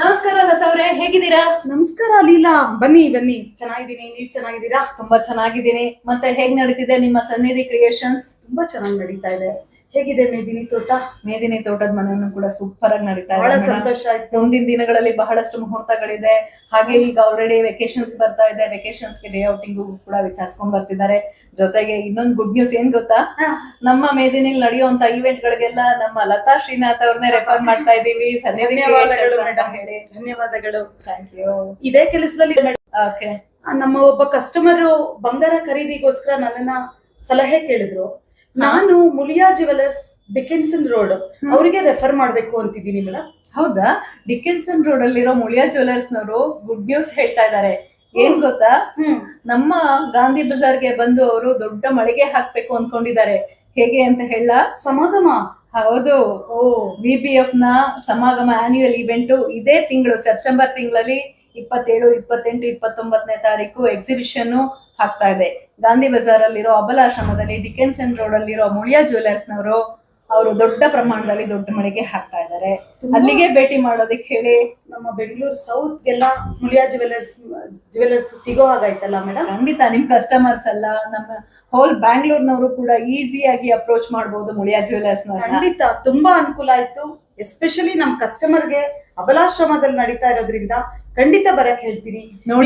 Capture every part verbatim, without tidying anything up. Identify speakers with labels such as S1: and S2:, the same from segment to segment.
S1: ನಮಸ್ಕಾರ ಲತಾ ಅವ್ರೆ, ಹೇಗಿದ್ದೀರಾ?
S2: ನಮಸ್ಕಾರ ಲೀಲಾ, ಬನ್ನಿ ಬನ್ನಿ. ಚೆನ್ನಾಗಿದ್ದೀನಿ, ನೀವ್ ಚೆನ್ನಾಗಿದ್ದೀರಾ?
S1: ತುಂಬಾ ಚೆನ್ನಾಗಿದ್ದೀನಿ. ಮತ್ತೆ ಹೇಗ್ ನಡೀತಿದೆ ನಿಮ್ಮ ಸನ್ನಿಧಿ ಕ್ರಿಯೇಷನ್ಸ್?
S2: ತುಂಬಾ ಚೆನ್ನಾಗಿ ನಡೀತಾ ಇದೆ. ಹೇಗಿದೆ ಮೇದಿನಿ ತೋಟ?
S1: ಮೇದಿನಿ ತೋಟದ ಮನೆಯನ್ನು ಕೂಡ ಸೂಪರ್ ಆಗಿ ನಡೀತಾ
S2: ಬಹಳ
S1: ಇದೆ.
S2: ಸಂತೋಷ ಆಯ್ತು.
S1: ಮುಂದಿನ ದಿನಗಳಲ್ಲಿ ಬಹಳಷ್ಟು ಮುಹೂರ್ತಗಳಿದೆ. ಹಾಗೆ ಈಗ ಆಲ್ರೆಡಿ ವೆಕೇಶನ್ಸ್ ಬರ್ತಾ ಇದೆ. ವೆಕೇಶನ್ಸ್ ಗೆ ಡೇ ಔಟಿಂಗ್ ಕೂಡ ವಿಚಾರಿಸ್ಕೊಂಡ್ ಬರ್ತಿದ್ದಾರೆ. ಜೊತೆಗೆ ಇನ್ನೊಂದು ಗುಡ್ ನ್ಯೂಸ್ ಏನ್ ಗೊತ್ತಾ, ನಮ್ಮ ಮೇದಿನಿಲ್ ನಡೆಯುವಂತ ಇವೆಂಟ್ ಗಳಿಗೆಲ್ಲ ನಮ್ಮ ಲತಾ ಶ್ರೀನಾಥ್ ಅವ್ರನ್ನೇ ರೆಫರ್ ಮಾಡ್ತಾ ಇದೀವಿ. ಸನ್ನಿಧಿ
S2: ಧನ್ಯವಾದಗಳು
S1: ಕ್ರಿಯೇಷನ್ಸ್ ಅಂತ
S2: ಮೇಡಮ್,
S1: ಹೇಳಿ.
S2: ಧನ್ಯವಾದಗಳು.
S1: Thank you.
S2: ಇದೇ ಕೆಲಸದಲ್ಲಿ
S1: ಓಕೆ.
S2: ನಮ್ಮ ಒಬ್ಬ ಕಸ್ಟಮರ್ ಬಂಗಾರ ಖರೀದಿಗೋಸ್ಕರ ನನ್ನನ್ನ ಸಲಹೆ ಕೇಳಿದ್ರು. ನಾನು ಮುಳಿಯಾ ಜ್ಯುವೆಲರ್ಸ್, ಡಿಕೆನ್ಸನ್ ರೋಡ್, ಅವರಿಗೆ ರೆಫರ್ ಮಾಡ್ಬೇಕು ಅಂತಿದ್ದೀನಿ ಮೇಡಮ್.
S1: ಹೌದಾ? ಡಿಕೆನ್ಸನ್ ರೋಡ್ ಅಲ್ಲಿರೋ ಮುಳಿಯಾ ಜ್ಯುವೆಲರ್ಸ್ ನವರು ಗುಡ್ ನ್ಯೂಸ್ ಹೇಳ್ತಾ ಇದ್ದಾರೆ. ಏನ್ ಗೊತ್ತಾ, ನಮ್ಮ ಗಾಂಧಿ ಬಜಾರ್ಗೆ ಬಂದು ಅವರು ದೊಡ್ಡ ಮಳಿಗೆ ಹಾಕ್ಬೇಕು ಅನ್ಕೊಂಡಿದ್ದಾರೆ. ಹೇಗೆ ಅಂತ ಹೇಳ?
S2: ಸಮಾಗಮ.
S1: ಹೌದು, ವಿ ಬಿ ಎಫ್ ನ ಸಮಾಗಮ ಆನ್ಯುವಲ್ ಇವೆಂಟ್ ಇದೇ ತಿಂಗಳು ಸೆಪ್ಟೆಂಬರ್ ತಿಂಗಳಲ್ಲಿ ಇಪ್ಪತ್ತೇಳು ಇಪ್ಪತ್ತೆಂಟು ಇಪ್ಪತ್ತೊಂಬತ್ತನೇ ತಾರೀಕು ಎಕ್ಸಿಬಿಷನ್ ಹಾಕ್ತಾ ಇದೆ. ಗಾಂಧಿ ಬಜಾರ್ ಅಲ್ಲಿರೋ ಅಬಲಾಶ್ರಮದಲ್ಲಿ ಡಿಕೆನ್ಸನ್ ರೋಡ್ ಅಲ್ಲಿರೋ ಮುಳಿಯಾ ಜ್ಯುವೆಲರ್ಸ್ ನವರು ಅವರು ದೊಡ್ಡ ಪ್ರಮಾಣದಲ್ಲಿ ದೊಡ್ಡ ಮಳಿಗೆ ಹಾಕ್ತಾ ಇದ್ದಾರೆ. ಅಲ್ಲಿಗೆ ಭೇಟಿ ಮಾಡೋದಕ್ಕೆ ಹೇಳಿ.
S2: ನಮ್ಮ ಬೆಂಗಳೂರು ಸೌತ್ ಗೆಲ್ಲ ಮುಳಿಯಾ ಜ್ಯುವೆಲರ್ಸ್ ಜ್ಯುವೆಲರ್ಸ್ ಸಿಗೋ ಹಾಗಾಯ್ತಲ್ಲ ಮೇಡಮ್?
S1: ಖಂಡಿತ ನಿಮ್ ಕಸ್ಟಮರ್ಸ್ ಅಲ್ಲ, ನಮ್ಮ ಹೋಲ್ ಬ್ಯಾಂಗ್ಳೂರ್ನವರು ಕೂಡ ಈಸಿಯಾಗಿ ಅಪ್ರೋಚ್ ಮಾಡಬಹುದು ಮುಳಿಯಾ ಜ್ಯುವೆಲರ್ಸ್.
S2: ಖಂಡಿತ ತುಂಬಾ ಅನುಕೂಲ ಆಯ್ತು. ಎಸ್ಪೆಷಲಿ ನಮ್ ಕಸ್ಟಮರ್ಗೆ ಅಬಲಾಶ್ರಮದಲ್ಲಿ ನಡೀತಾ ಇರೋದ್ರಿಂದ ಖಂಡಿತ ಬರಕ್ ಹೇಳ್ತೀನಿ.
S1: ನೋಡಿ,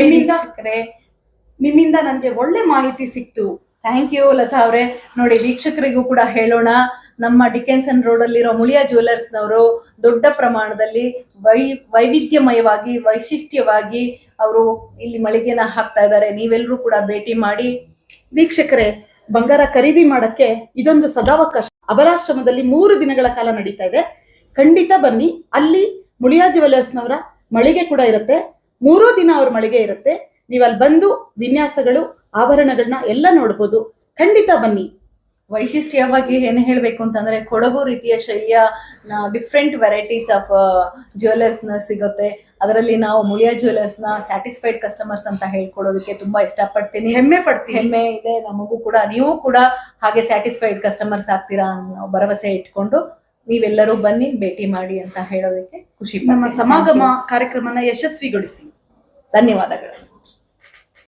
S2: ನಿಮ್ಮಿಂದ ನನ್ಗೆ ಒಳ್ಳೆ ಮಾಹಿತಿ ಸಿಕ್ತು.
S1: ಥ್ಯಾಂಕ್ ಯು ಲತಾ ಅವ್ರೆ. ನೋಡಿ, ವೀಕ್ಷಕರಿಗೂ ಕೂಡ ಹೇಳೋಣ, ನಮ್ಮ ಡಿಕೆನ್ಸನ್ ರೋಡ್ ಅಲ್ಲಿರೋ ಮುಳಿಯಾ ಜ್ಯುವೆಲರ್ಸ್ ನವರು ದೊಡ್ಡ ಪ್ರಮಾಣದಲ್ಲಿ ವೈ ವೈವಿಧ್ಯಮಯವಾಗಿ ವೈಶಿಷ್ಟ್ಯವಾಗಿ ಅವರು ಇಲ್ಲಿ ಮಳಿಗೆನ ಹಾಕ್ತಾ ಇದ್ದಾರೆ. ನೀವೆಲ್ಲರೂ ಕೂಡ ಭೇಟಿ ಮಾಡಿ.
S2: ವೀಕ್ಷಕರೇ, ಬಂಗಾರ ಖರೀದಿ ಮಾಡಕ್ಕೆ ಇದೊಂದು ಸದಾವಕಾಶ. ಅಬಲಾಶ್ರಮದಲ್ಲಿ ಮೂರು ದಿನಗಳ ಕಾಲ ನಡೀತಾ ಇದೆ. ಖಂಡಿತ ಬನ್ನಿ. ಅಲ್ಲಿ ಮುಳಿಯಾ ಜ್ಯುವೆಲರ್ಸ್ ನವರ ಮಳಿಗೆ ಕೂಡ ಇರುತ್ತೆ. ಮೂರೂ ದಿನ ಅವ್ರ ಮಳಿಗೆ ಇರುತ್ತೆ. ನೀವು ಅಲ್ಲಿ ಬಂದು ವಿನ್ಯಾಸಗಳು, ಆಭರಣಗಳನ್ನ ಎಲ್ಲ ನೋಡ್ಬೋದು. ಖಂಡಿತ ಬನ್ನಿ.
S1: ವೈಶಿಷ್ಟ್ಯವಾಗಿ ಏನ್ ಹೇಳ್ಬೇಕು ಅಂತಂದ್ರೆ, ಕೊಡಗು ರೀತಿಯ ಶೈಲಿಯ ಡಿಫ್ರೆಂಟ್ ವೆರೈಟೀಸ್ ಆಫ್ ಜ್ಯುವೆಲರ್ಸ್ ನ ಸಿಗುತ್ತೆ. ಅದರಲ್ಲಿ ನಾವು ಮುಳಿಯಾ ಜ್ಯುವೆಲರ್ಸ್ ನ ಸ್ಯಾಟಿಸ್ಫೈಡ್ ಕಸ್ಟಮರ್ಸ್ ಅಂತ ಹೇಳ್ಕೊಡೋದಕ್ಕೆ ತುಂಬಾ ಇಷ್ಟಪಡ್ತೀನಿ, ಹೆಮ್ಮೆ ಪಡ್ತೀನಿ. ಹೆಮ್ಮೆ ಇದೆ ನಮಗೂ ಕೂಡ. ನೀವು ಕೂಡ ಹಾಗೆ ಸ್ಯಾಟಿಸ್ಫೈಡ್ ಕಸ್ಟಮರ್ಸ್ ಆಗ್ತೀರಾ ಅನ್ನೋ ಭರವಸೆ ಇಟ್ಕೊಂಡು ನೀವೆಲ್ಲರೂ ಬನ್ನಿ, ಭೇಟಿ ಮಾಡಿ ಅಂತ ಹೇಳೋದಕ್ಕೆ ಖುಷಿ.
S2: ನಮ್ಮ ಸಮಾಗಮ ಕಾರ್ಯಕ್ರಮನ ಯಶಸ್ವಿಗೊಳಿಸಿ.
S1: ಧನ್ಯವಾದಗಳು.